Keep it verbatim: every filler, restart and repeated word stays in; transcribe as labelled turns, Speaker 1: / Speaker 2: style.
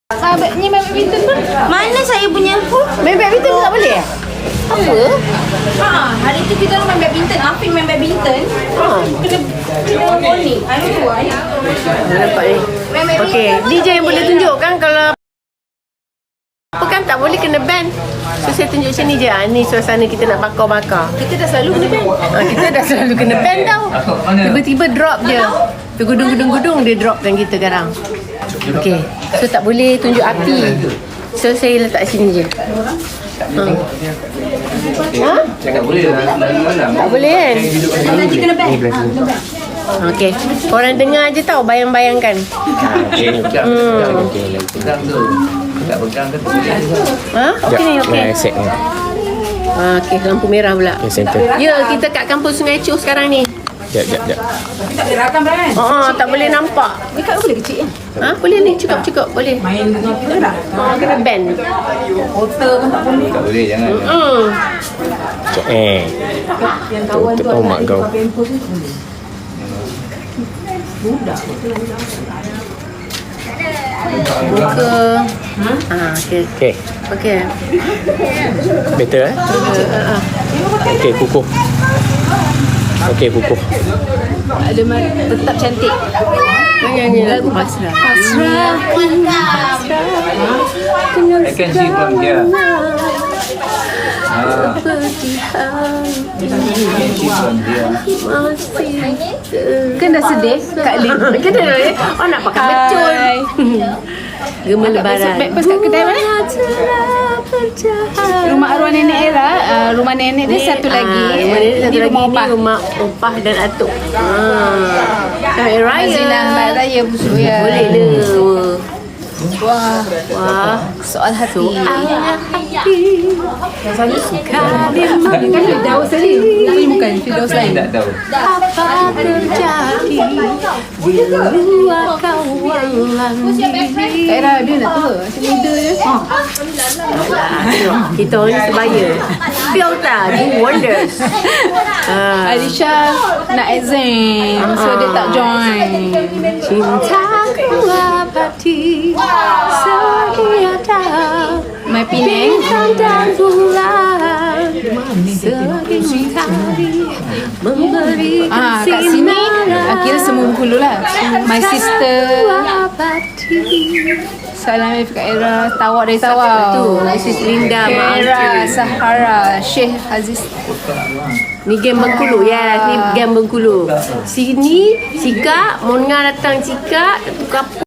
Speaker 1: Ah, ni main badminton pun.
Speaker 2: Mana saya punya pun?
Speaker 1: Main badminton tak boleh?
Speaker 2: Apa? Ha, hari tu kita orang main badminton. Afin main badminton.
Speaker 1: Ha.
Speaker 2: Kena kena warning. I don't know why.
Speaker 1: Dah nampak ni.
Speaker 2: Main badminton.
Speaker 1: Okey, D J yang boleh tunjuk kan kalau apa kan tak boleh kena ban. So saya tunjuk sini je. Ah, ni suasana kita nak bakar-bakar.
Speaker 2: Kita dah selalu kena ban.
Speaker 1: Ah, kita dah selalu kena ban tau. Tiba-tiba drop je. Tergudung-gudung-gudung dia dropkan kita sekarang. Okey. So tak boleh tunjuk api. So saya letak sini je. Ha? Ha?
Speaker 3: Tak boleh lah.
Speaker 1: Tak boleh kan?
Speaker 2: Nanti kena ban.
Speaker 1: Okey. Korang dengar je tau, bayang-bayangkan.
Speaker 3: Okey,
Speaker 1: Hmm.
Speaker 3: pegang tu. Tak pegang ke tu?
Speaker 1: Ha? Okey ni, okey.
Speaker 4: Nah, set ni.
Speaker 1: Ha, okey, lampu merah pula.
Speaker 4: Okay, center.
Speaker 1: Ya, kita kat kampung Sungai Choh sekarang ni.
Speaker 4: Jap, jap, jap.
Speaker 2: Tak boleh rakam kan?
Speaker 1: Ha, tak boleh nampak.
Speaker 2: Dekat boleh kecil kan?
Speaker 1: Ha, boleh ni, cukup-cukup, boleh.
Speaker 2: Main dengan kita tak?
Speaker 1: Ha, kena ban.
Speaker 2: Hotel kan tak boleh.
Speaker 3: Tak boleh, jangan.
Speaker 1: Hmm.
Speaker 4: Jap, eh.
Speaker 2: Yang kawan tu
Speaker 4: Oh, mak
Speaker 2: ada
Speaker 4: kau.
Speaker 2: pakai handphone tu boleh. Budak.
Speaker 1: Buka. Ha, okey.
Speaker 4: Okay,
Speaker 1: Okey.
Speaker 4: better eh?
Speaker 1: Uh, uh,
Speaker 4: Okay, kukuh. Okay, kukuh.
Speaker 2: Ada tetap cantik.
Speaker 1: Nyanyi lagu pasrah.
Speaker 2: Pasrah.
Speaker 3: I can see from here. Ah, I can see from here.
Speaker 2: Kan dah sedih Kak Lin.
Speaker 1: Kena eh. Oh nak pakai betul. Gema lebaran.
Speaker 2: Backpass kat kedai mana? Rumah arwah nenek Era. Uh, rumah nenek dia satu lagi.
Speaker 1: Ah, rumah nenek satu
Speaker 2: Ini
Speaker 1: lagi
Speaker 2: rumah
Speaker 1: ni
Speaker 2: opah.
Speaker 1: rumah opah dan atuk. Ah. Hari raya.
Speaker 2: Zina Hari Raya busuk ya.
Speaker 1: Boleh le.
Speaker 2: Wah,
Speaker 1: Wah.
Speaker 2: soal hati.
Speaker 1: Hati.
Speaker 2: Rasanya suka. Kan Firdaus tadi. Tapi bukan Firdaus lain.
Speaker 3: Tak tahu.
Speaker 1: Apa terjadi bila kau lagi?
Speaker 2: Kak Era dia nak tua. Macam muda je.
Speaker 1: Tengok, kita orang ni sebaya. Filter do wonders. Ah.
Speaker 2: Alisha nak exam. So dia tak join.
Speaker 1: Cintaku abadi setiada
Speaker 2: My Penang.
Speaker 1: bintang dan bulan sering kali memberi
Speaker 2: Ah, kat sini ah, kira semua Bengkulu lah. My sister. Salam F Kak Era. Tawak dari Tawau.
Speaker 1: tu Missus Linda
Speaker 2: Era
Speaker 1: Mak
Speaker 2: Sahara. Syekh Aziz.
Speaker 1: ni game Bengkulu ya, ni game Bengkulu. Sini Cika, Mona datang Cika, tukar